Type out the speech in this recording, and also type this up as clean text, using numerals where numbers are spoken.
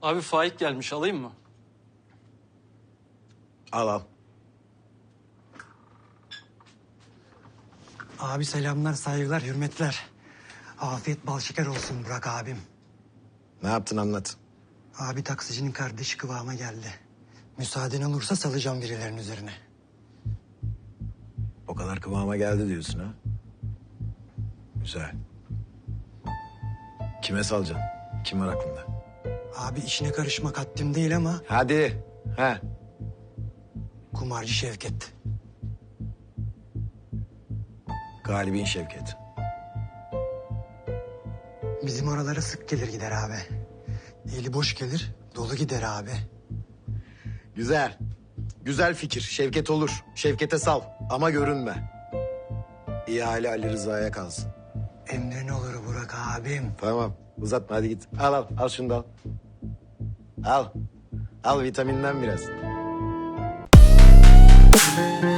Abi Faik gelmiş, alayım mı? Al al. Abi selamlar, saygılar, hürmetler. Afiyet bal şeker olsun Burak abim. Ne yaptın anlat. Abi taksicinin kardeşi kıvama geldi. Müsaaden olursa salacağım birilerinin üzerine. O kadar kıvama geldi diyorsun ha. Güzel. Kime salacaksın? Kim var aklında? Abi işine karışmak haddim değil ama Hadi. He. kumarcı Şevket. Galibin Şevket. Bizim oralara sık gelir gider abi. Eli boş gelir, dolu gider abi. Güzel. Güzel fikir. Şevket olur. Şevket'e sal. Ama görünme. İhale Ali Rıza'ya kalsın. Emrin olur Burak abim. Tamam. Uzatma hadi git. Al al. Al şunu da al. Al. Al vitaminden biraz.